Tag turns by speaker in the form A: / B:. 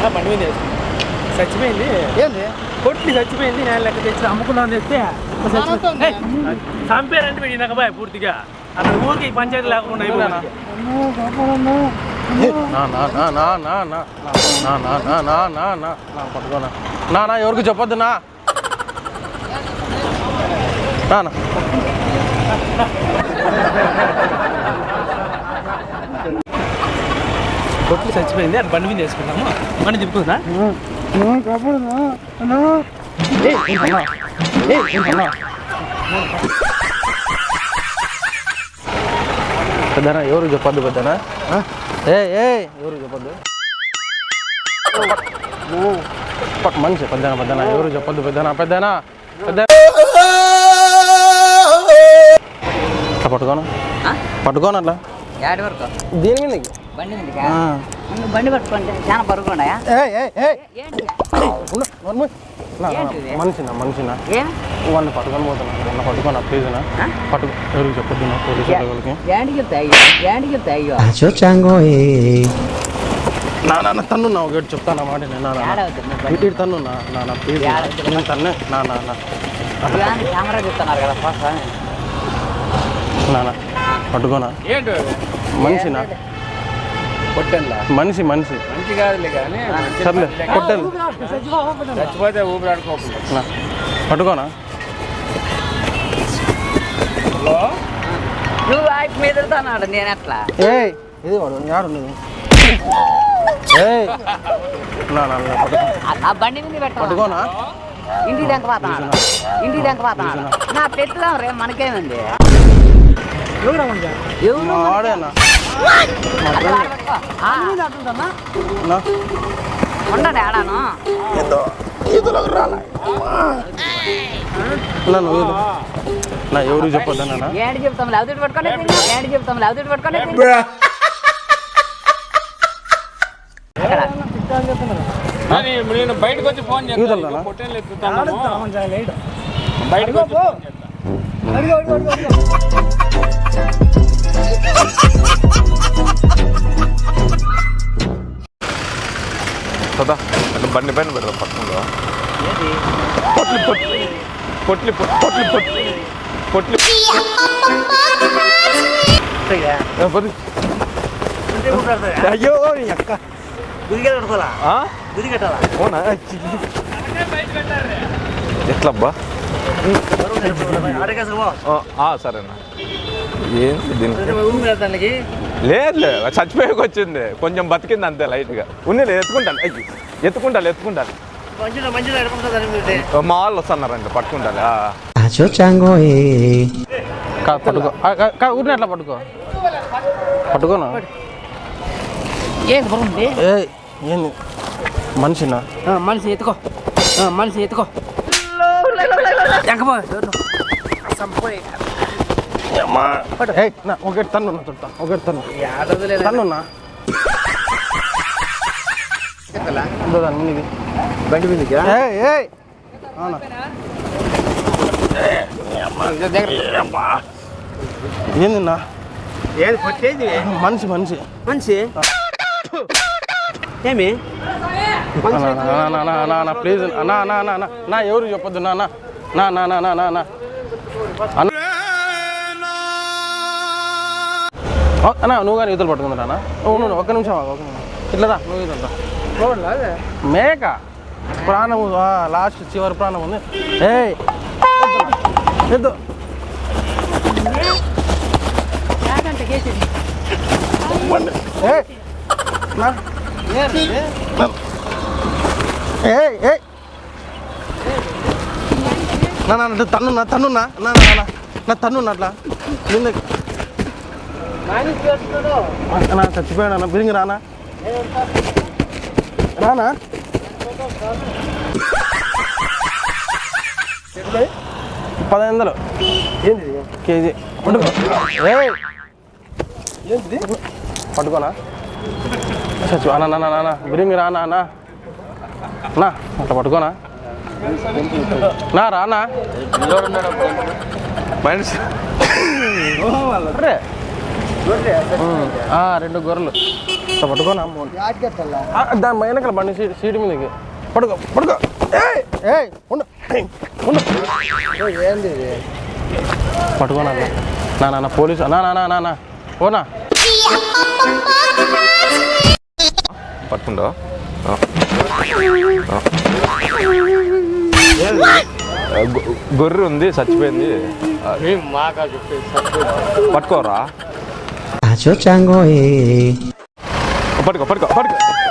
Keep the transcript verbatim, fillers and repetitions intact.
A: బండి మీద చచ్చిపోయింది. ఏంది కొట్టి చచ్చిపోయింది. నేను లెక్క తెచ్చి అమ్ముకున్నాను తెస్తే చంపారంటే పెట్టినాక బాయ్ పూర్తిగా అక్కడ ఊరికి పంచాయతీ లేకుండా అయిపోయినా.
B: పట్టుకోనా నా నా ఎవరికి చెప్పొద్దు నా నా
A: కొట్లు చచ్చిపోయింది. అది బండి మీద వేసుకున్నాము. బండి తిప్పుతుందా?
B: పెద్దనా ఎవరు చెప్పొద్దు. పెద్దనా ఏ ఏ ఎవరు చెప్పొద్దు. మనిషి పెద్దనా పెద్దనా ఎవరు చెప్పొద్దు. పెద్దనా పెద్దనా పెద్ద పట్టుకోను పట్టుకోను అట్లా దీని మీద
C: బండి పట్టుకోండి. చాలా బరువుగా
B: మనిషినా మనిషినా వాళ్ళని పట్టుకొని పోతున్నా. పట్టుకోనా ప్లీజ్నా పట్టుకో. ఎవరికి చెప్పొద్దు నా పోలీసు నా నాన్న తన్ను నా ఒకటి చెప్తాను మాట నేను తన్ను నా నా ప్లీజ్ నేను తన్నే నా నా
C: కెమెరా చెప్తున్నారు కదా
B: నాన్న పట్టుకోనా మనిషినా మనిషి మనిషి
A: మంచి కాదులే కానీ
B: సర్లే కొట్టాలి
A: చచ్చిపోతే ఊపిరాడుకోకుండా
B: పట్టుకోనా.
C: నువ్వు ఆయన మీద అన్నాడు. నేను ఎట్లా
B: ఏ ఇది వాడు యాడు
C: ఆ బండి మీద పెట్ట
B: పట్టుకోనా.
C: ఇంటికి దెంక పోతున్నాడు. ఇంటికి దెంక పోతున్నాడు. నా పెట్టుదాం రే మనకేముంది.
B: వాడేనా
C: ఉండండి ఆడాను
B: నా ఎవరు చెప్పొద్దా నాన్న.
C: ఏంటి చెప్తాం లేవుతూ పట్టుకోండి. ఏంటి చెప్తాం లేవుతూ పట్టుకోండి.
A: నేను బయటకు వచ్చి ఫోన్ చేస్తాను. పొట్టేళ్ళు ఎత్తుతాను బయటకు వచ్చి
D: అంటే బండి పైన పెడతాం పక్కనలో పొట్లు పొట్లు పొట్లు పొట్లు పొట్లు పొట్లు అయ్యో అక్క ఎట్లబ్బా సరేనా ఏంటి దీనికి లేదు లేదు చచ్చిపోయాక వచ్చింది కొంచెం బతికింది అంతే లైట్గా ఉంది ఎత్తుకుంటాను ఎత్తుకుంటాను ఎత్తుకుంటాను మా వాళ్ళు వస్తున్నారండి పట్టుకుంటారు
B: పట్టుకో ఊరిని ఎట్లా పట్టుకో పట్టుకోనా.
C: ఏంది
B: ఏంది మనిషినా
C: మనిషి ఎత్తుకో మనిషి ఎత్తుకో
B: ఒకటి తన్నున్నా చుట్టా ఒకటి తన్ను తన్నున్నా దాని మీదకి బండి మీదకి ఏందిన్నా
A: ఏది కొట్టేది
B: మనిషి మనిషి
A: మనిషి ఏమి
B: ప్లీజ్ నా నా నా నా ఎవరు చెప్పొద్దు నా నా నా నా నా నా అన్నా నువ్వు కానీ ఈతలు పట్టుకుందా నాన్న. నువ్వు ఒక్క నిమిషం ఒక ఇట్లా రా నువ్వు ఈతలు మేక ప్రాణం లాస్ట్ చివరి ప్రాణం ఉంది. ఏ ఎద్దు నా తన్నున్నా తన్నున్నా నా నా తన్నున్నా అట్లా నా చచ్చిపోయాడు బిరింగి రానా రానా పదహైదు వందలు
A: ఏంది
B: కేజీ పట్టుకో
A: ఏంది
B: పట్టుకోనా చచ్చు అన్న నాన్న నాన్న బిరింగి రానా అన్నా నా అట్లా పట్టుకోనా నా రానా
D: మనిషి
B: ఆ, రెండు గొర్రెలు ఇట్లా పట్టుకోనా దాని వెనకాల బండి సీట్ సీటు మీదకి పడుకో పడుకో ఏయ్ ఏయ్ ఉండు ఏయ్, ఉండు
A: ఏంది
B: పట్టుకోనా నా నాన్న పోలీసు నా నా నా నా ఓనా
D: పట్టుకుంటావా గొర్రె ఉంది చచ్చిపోయింది పట్టుకోరా పట్టుకో పట్టుకో పట్టుకో